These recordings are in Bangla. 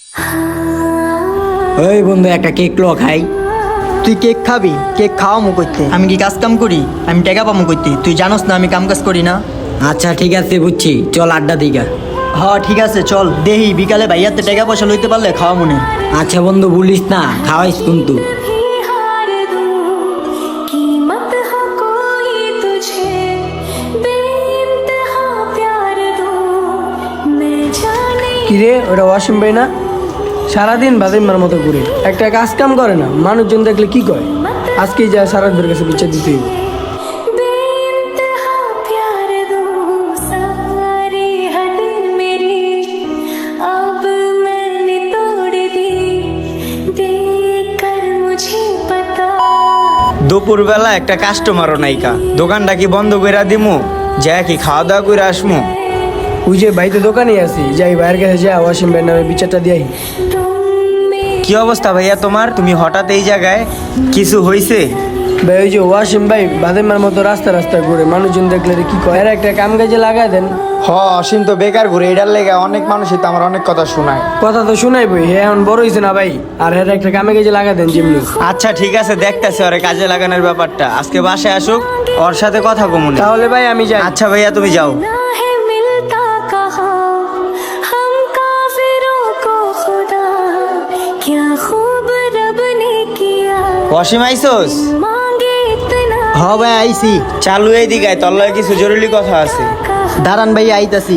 ওই বন্ধু একটা কেক লো খাই। তুই কেক খাবি? কেক খাওয়ামু করতে? আমি কি কাজ কাম করি? আমি টাকা পামু করতে? তুই জানোস না আমি কাম কাজ করি না। আচ্ছা ঠিক আছে বুঝছি, চল আড্ডা দিগা। হ ঠিক আছে চল, দেহি বিকালে ভাইয়াতে টাকা পয়সা লইতে পারলে খাওয়া মনে। আচ্ছা বন্ধু বলিস না, খাওয়াইস কিন্তু। কিরে ওটা ওয়াসিম ভাই না? সারাদিন বাদিমার মতো ঘুরে, একটা কাজ কাম করে না, মানুষজন দেখলে কি কয়? আজকেই যায় সারাদের কাছে বিচার দিতে হইব। দুপুরবেলা একটা কাস্টমারও নাইকা, দোকানটা কি বন্ধ কইরা দিমু? যা কি খাওয়া দাওয়া করে আসমু? ওই যে ভাই তো দোকানে আছি, যাই ভাইয়ের কাছে যা ওয়াসিম ভাইয়ের নামে বিচারটা দিয়াই। কি অবস্থা ভাইয়া তোমার? তুমি হঠাৎ এই জায়গায়, কিছু হইছে? ভাই ওই যে ওয়াসিম ভাই বাদিমার মতো রাস্তা রাস্তা ঘুরে, মানুষজন দেখলে কি কয়? এর একটা কাম কাজে লাগাই দেন। অসীম তো বেকার ঘুরে, এটার লেগে অনেক মানুষই তো আমার অনেক কথা শোনায়। কথা তো শুনাই বই, হে এখন বড় হয়েছে না ভাই, আর এর একটা কামে কাজে লাগাই দেন যেমনি। আচ্ছা ঠিক আছে, দেখতেছি ওরে কাজে লাগানোর ব্যাপারটা। আজকে বাসায় আসুক, ওর সাথে কথা কমুন। তাহলে ভাই আমি যাই। আচ্ছা ভাইয়া তুমি যাও। অসীম আইসোস? হ ভাই আইছি। চালু এই দিকে তোর লগে কিছু জরুরি কথা আছে। দাঁড়ান ভাই আইতাছি।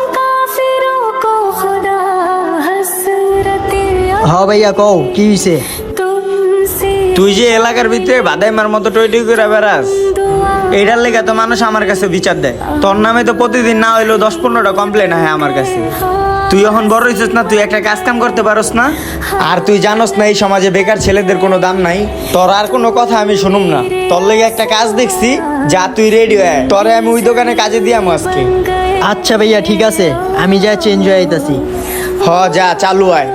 হ ভাইয়া কও কি হইছে? তুই যে এলাকার ভিতরে বাদাইমার মতো টইটই করে বেড়াস, এইটার লেগে তো মানুষ আমার কাছে বিচার দেয়। তোর নামে তো প্রতিদিন না হইলেও 10-15টা কমপ্লেন হয় আমার কাছে। তুই এখন বড় হইছিস না, তুই একটা কাজ কাম করতে পারস না? আর তুই জানোস না এই সমাজে বেকার ছেলেদের কোনো দাম নাই। তোর আর কোনো কথা আমি শুনুম না। তোর লেগে একটা কাজ দেখছি, যা তুই রেডি হয়ে আয়। তোরে আমি ওই দোকানে কাজে দিয়াম আজকে। আচ্ছা ভাইয়া ঠিক আছে, আমি যা চেঞ্জ হয়ে আইতাছি। যা চালু আয়।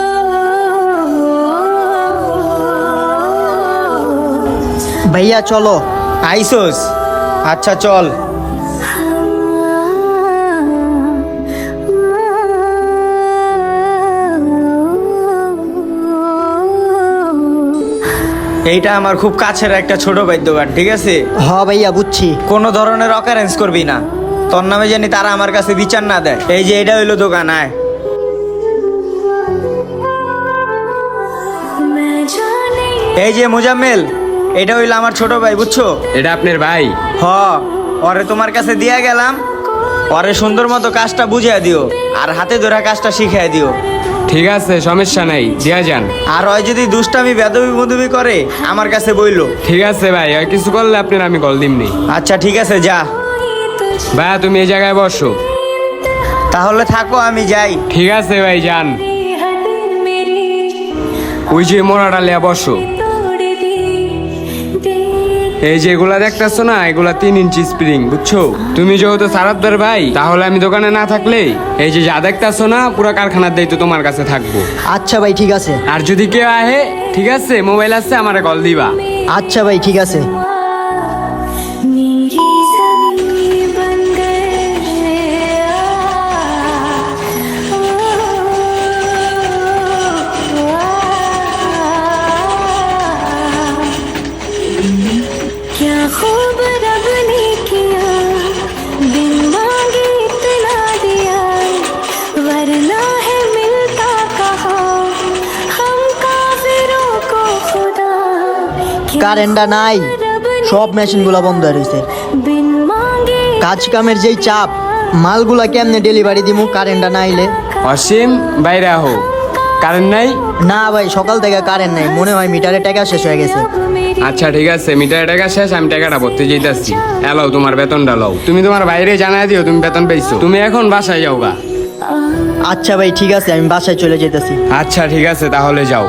ভাইয়া চলো। আইসোস? আচ্ছা চল। এইটা আমার খুব কাছের একটা ছোট ভাই দোকান, ঠিক আছে? হ ভাইয়া বুঝছি। কোনো ধরনের অকারেন্স করবি না, তোর নামে জানি তারা আমার কাছে বিচার না দেয়। এই যে এটা হইলো দোকান, আয়। এই যে মুজাম্মেল, এটা হইলো আমার ছোট ভাই, বুঝছো? এটা আপনার ভাই? ওরে তোমার কাছে দিয়া গেলাম, ওরে সুন্দর মতো কাজটা বুঝিয়ে দিও, আর হাতে ধরা কাজটা শিখিয়ে দিও। ঠিক আছে, সমস্যা নাই, দিয়া যান। আর ওই যদি দুষ্টামি বেদবি মদবি করে আমার কাছে বইলো। ঠিক আছে ভাই, আর কিছু করলে আপনার আমি কল দিমনি। আচ্ছা ঠিক আছে, যা। ভাইয়া তুমি এই জায়গায় বসো। তাহলে থাকো, আমি যাই। ঠিক আছে ভাই, যান। ওই যে মোড়াটা লিয়া বসো। এই যে এগুলা দেখতেছো না, এগুলা 3 ইঞ্চি স্প্রিং, বুঝছো? তুমি যেহেতু সারাদ্দার ভাই, তাহলে আমি দোকানে না থাকলে এই যে যা দেখতেছো না, পুরো কারখানার দায়িত্ব তোমার কাছে থাকবো। আচ্ছা ভাই ঠিক আছে। আর যদি কেউ আহে, ঠিক আছে, মোবাইল আছে, আমারে কল দিবা। আচ্ছা ভাই ঠিক আছে। কারেন্টটা নাই, সব মেশিনগুলো বন্ধ হয়ে রয়েছে। কাজ কামের যেই চাপ, মালগুলা কেমনে ডেলিভারি দিমু কারেন্টটা না আইলে? অসীম বাইরে আহো। কারেন্ট নাই? না ভাই, সকাল থেকে কারেন্ট নাই, মনে হয় মিটারে টাকা শেষ হয়ে গেছে। আচ্ছা ঠিক আছে, মিটারের টাকা শেষ, আমি টাকাটা ভরতে যেতেছি। এলাও তোমার বেতনটা লও। তুমি তোমার বাইরে জানাই দিও তুমি বেতন পেয়েছো। তুমি এখন বাসায় যাও গা। আচ্ছা ভাই ঠিক আছে, আমি বাসায় চলে যেতেছি। আচ্ছা ঠিক আছে, তাহলে যাও।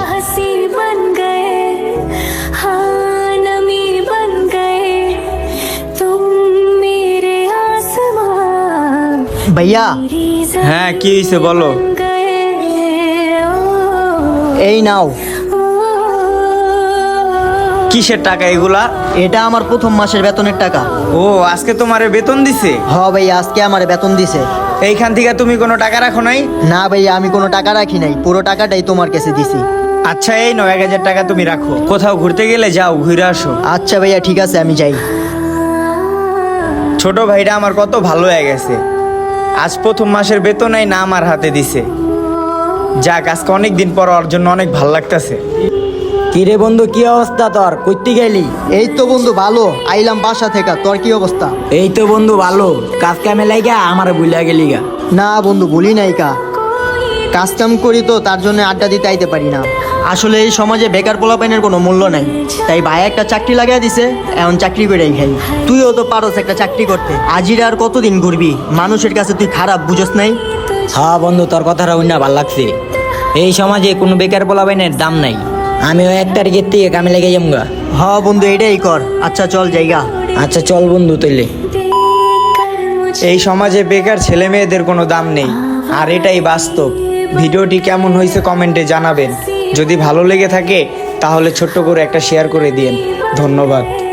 ভাইয়া। হ্যাঁ কি হয়েছে বলো। এই নাও। কিসের টাকা এগুলা? এটা আমার প্রথম মাসের বেতনের টাকা। ও, আজকে তোমারে বেতন দিছে? হ ভাই, আজকে আমার বেতন দিছে। এইখান থেকে তুমি কোনো টাকা রাখো নাই? না ভাইয়া, আমি কোনো টাকা রাখি নাই, পুরো টাকাটাই তোমার কাছে দিছি। আচ্ছা এই 9,000 টাকা তুমি রাখো, কোথাও ঘুরতে গেলে যাও, ঘুরে আসো। আচ্ছা ভাইয়া, ঠিক আছে, আমি যাই। ছোট ভাইটা আমার কত ভালো হয়ে গেছে, আজ প্রথম মাসের বেতনই না আমার হাতে দিছে। যাক, আজকে অনেকদিন পর ওর জন্য অনেক ভালো লাগতেছে। কিরে বন্ধু, কি অবস্থা তোর? কইতে গেলি? এই তো বন্ধু ভালো, আইলাম বাসা থেকে। তোর কি অবস্থা? এই তো বন্ধু ভালো, কাজ কামে লাইগা আমার ভুলিয়া গেলি গা। না বন্ধু, ভুলি নাই কা, কাজ কাম করি তো তার জন্য আড্ডা দিতে আইতে পারি না। আসলে এই সমাজে বেকার পোলাপাইনের কোনো মূল্য নাই, তাই ভাই একটা চাকরি লাগাই দিছে, এখন চাকরি করেই খাই। তুইও তো পারস একটা চাকরি করতে, আজিরা আর কতদিন ঘুরবি? মানুষের কাছে তুই খারাপ বুঝস নাই? হ্যাঁ বন্ধু, তোর কথাটা উন্না ভাল লাগছে। এই সমাজে কোনো বেকার পোলাপাইনের দাম নাই। আমিও 1 তারিখের থেকে কামে লেগে যামগা। হ বন্ধু, এটাই কর। আচ্ছা চল জায়গা। আচ্ছা চল বন্ধু তৈলে। এই সমাজে বেকার ছেলে মেয়েদের কোনো দাম নেই, আর এটাই বাস্তব। ভিডিওটি কেমন হয়েছে কমেন্টে জানাবেন। যদি ভালো লেগে থাকে তাহলে ছোট্ট করে একটা শেয়ার করে দিন। ধন্যবাদ।